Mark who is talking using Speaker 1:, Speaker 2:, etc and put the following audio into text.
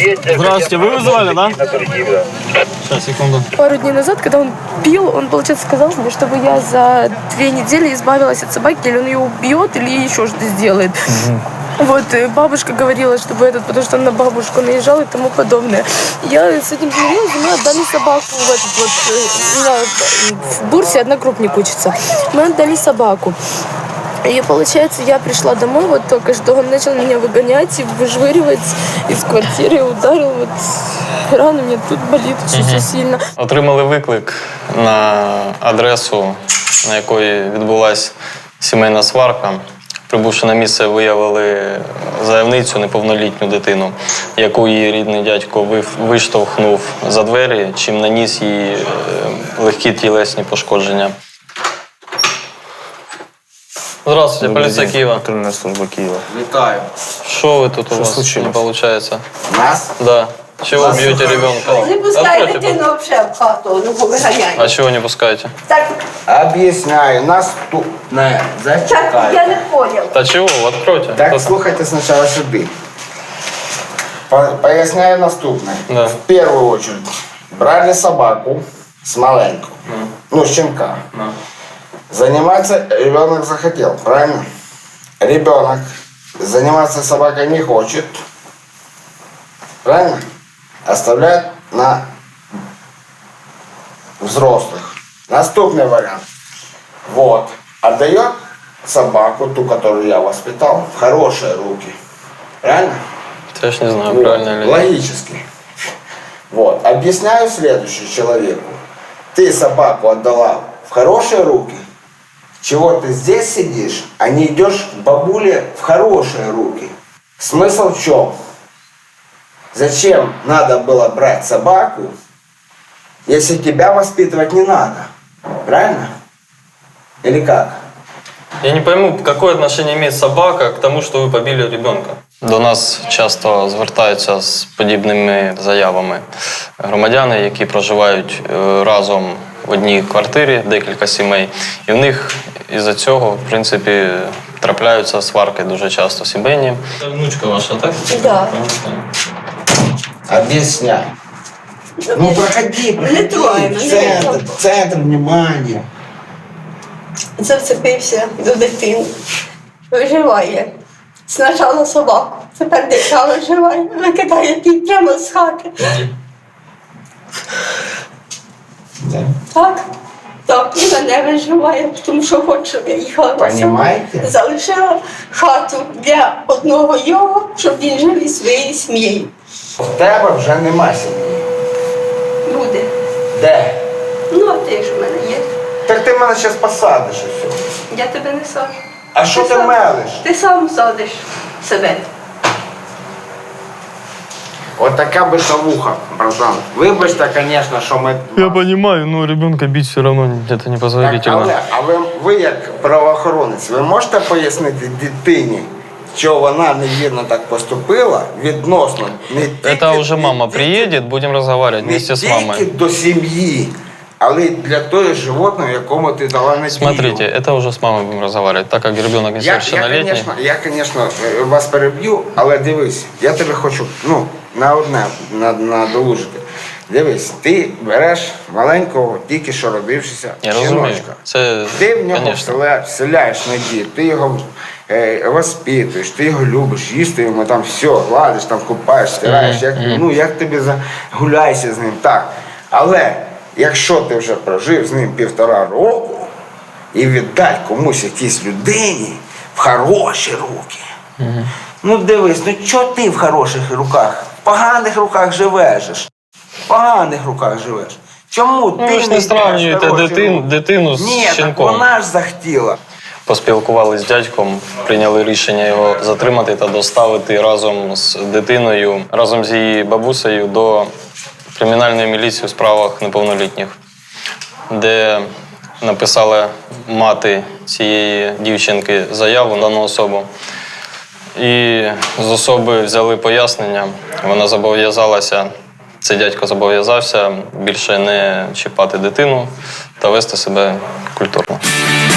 Speaker 1: Здравствуйте, вы вызывали, да? Сейчас, секунду.
Speaker 2: Пару дней назад, когда он пил, он, получается, сказал мне, чтобы я за 2 недели избавилась от собаки, или он ее убьет, или еще что-то сделает. Вот, бабушка говорила, чтобы потому что он на бабушку наезжал и тому подобное. Я с этим смирилась, и мы отдали собаку в Бурсе, одногруппник учится. Мы отдали собаку. И получается, я пришла домой, вот только что он начал меня выгонять и выжвыривать из квартиры, ударил, вот рана мне тут болит очень сильно.
Speaker 1: Отримали виклик на адресу, на якої відбулася сімейна сварка. Прибувши на місце, виявили заявницю, неповнолітню дитину, яку її рідний дядько виштовхнув за двері, чим наніс їй легкі тілесні пошкодження. Здравствуйте, полиция Киева.
Speaker 3: Патрульная служба Киева.
Speaker 4: Вітаю.
Speaker 1: Что вы тут у вас
Speaker 3: случилось?
Speaker 1: не получается?
Speaker 4: Нас?
Speaker 1: Да. Чего бьете ребенка?
Speaker 5: Не пускай
Speaker 1: Откройте,
Speaker 5: дитину взагалі в хату, ну повиганяй.
Speaker 1: А чего не пускаете?
Speaker 5: Так,
Speaker 4: Об'ясняю, наступне.
Speaker 5: так, я
Speaker 4: Зачекайте.
Speaker 5: не понял.
Speaker 1: Да чего? Откройте.
Speaker 4: Так, слухайте спочатку сюди. Поясняю наступне.
Speaker 1: Да.
Speaker 4: В першу очередь, брали собаку с маленькую, ну, щенка. Заниматься ребенок захотел, правильно? Ребенок заниматься собакой не хочет, правильно? Оставляет на взрослых. Наступный вариант. Вот. Отдает собаку, ту, которую я воспитал, в хорошие руки. Правильно?
Speaker 1: Я ж не знаю,
Speaker 4: Вот.
Speaker 1: правильно или нет.
Speaker 4: Логически. Вот. Объясняю следующее человеку. Ты собаку отдала в хорошие руки, чего ты здесь сидишь, а не идешь к бабуле в хорошие руки. Смысл в чем? Зачем надо было брать собаку, если тебя воспитывать не надо? Правильно? Или как?
Speaker 1: Я не пойму, какое отношение имеет собака к тому, что вы побили ребенка? До нас часто звертаються з подібними заявами громадяни, які проживають разом в одній квартирі, декілька сімей. І в них із-за цього, в принципі, трапляються сварки дуже часто сімейні. Це внучка ваша, так?
Speaker 5: Да.
Speaker 4: Объясняй. Ну проходи,
Speaker 5: Не трогай мене.
Speaker 4: центр внимания.
Speaker 5: Зацепився до дитини. Виживає. Спочатку собаку, тепер дитя виживає. Викидає ті прямо з хати. Так? Так, і мене виживає, тому що хоче, щоб я їхала на село.
Speaker 4: Понимаете?
Speaker 5: Залишила хату для одного його, щоб він жив із своєю сім'єю.
Speaker 4: В тебе вже нема сім'ї.
Speaker 5: Буде.
Speaker 4: Де?
Speaker 5: Ну, а ти ж в мене є.
Speaker 4: Так ти мене зараз посадиш і все.
Speaker 5: Я тебе не саджу.
Speaker 4: А що ти
Speaker 5: сам-
Speaker 4: мелиш?
Speaker 5: Ти сам садиш себе.
Speaker 4: От така битовуха, братан. Вибачте, звісно, що ми...
Speaker 1: Я понимаю, но ребенка бить все равно это непозволительно.
Speaker 4: Але ви як правоохоронець, ви можете пояснити дитині, що вона невірно так поступила відносно не тільки...
Speaker 1: Это уже мама приедет, будем разговаривать вместе с
Speaker 4: Не
Speaker 1: мамой.
Speaker 4: тільки до сім'ї, але й для того животного, якому ти дала надію.
Speaker 1: Смотрите, это уже с мамой будем разговаривать, так как ребенок несовершеннолетний.
Speaker 4: Я, звісно, вас переб'ю, але дивись, я тебе хочу, на одне надолужити. Дивись, ти береш маленького, тільки що родившися
Speaker 1: Я розумію.
Speaker 4: жіночка.
Speaker 1: Це,
Speaker 4: Ти в нього
Speaker 1: конечно.
Speaker 4: вселяєш надію, ти його воспитуєш, ти його любиш, їсти йому там все, гладиш, там купаєш, стираєш, як тобі гуляйся з ним, так. Але якщо ти вже прожив з ним 1,5 року і віддай комусь якійсь людині в хороші руки, ну дивись, чого ти в хороших руках? В поганих руках живеш. В поганих руках живеш. Чому ти
Speaker 1: ви ж не сравнюєте дитину з
Speaker 4: Ні,
Speaker 1: щенком.
Speaker 4: так вона ж захотіла.
Speaker 1: Поспілкувалися з дядьком, прийняли рішення його затримати та доставити разом з дитиною, разом з її бабусею до кримінальної міліції у справах неповнолітніх, де написала мати цієї дівчинки заяву на дану особу. І з особи взяли пояснення, вона зобов'язалася, цей дядько зобов'язався більше не чіпати дитину та вести себе культурно.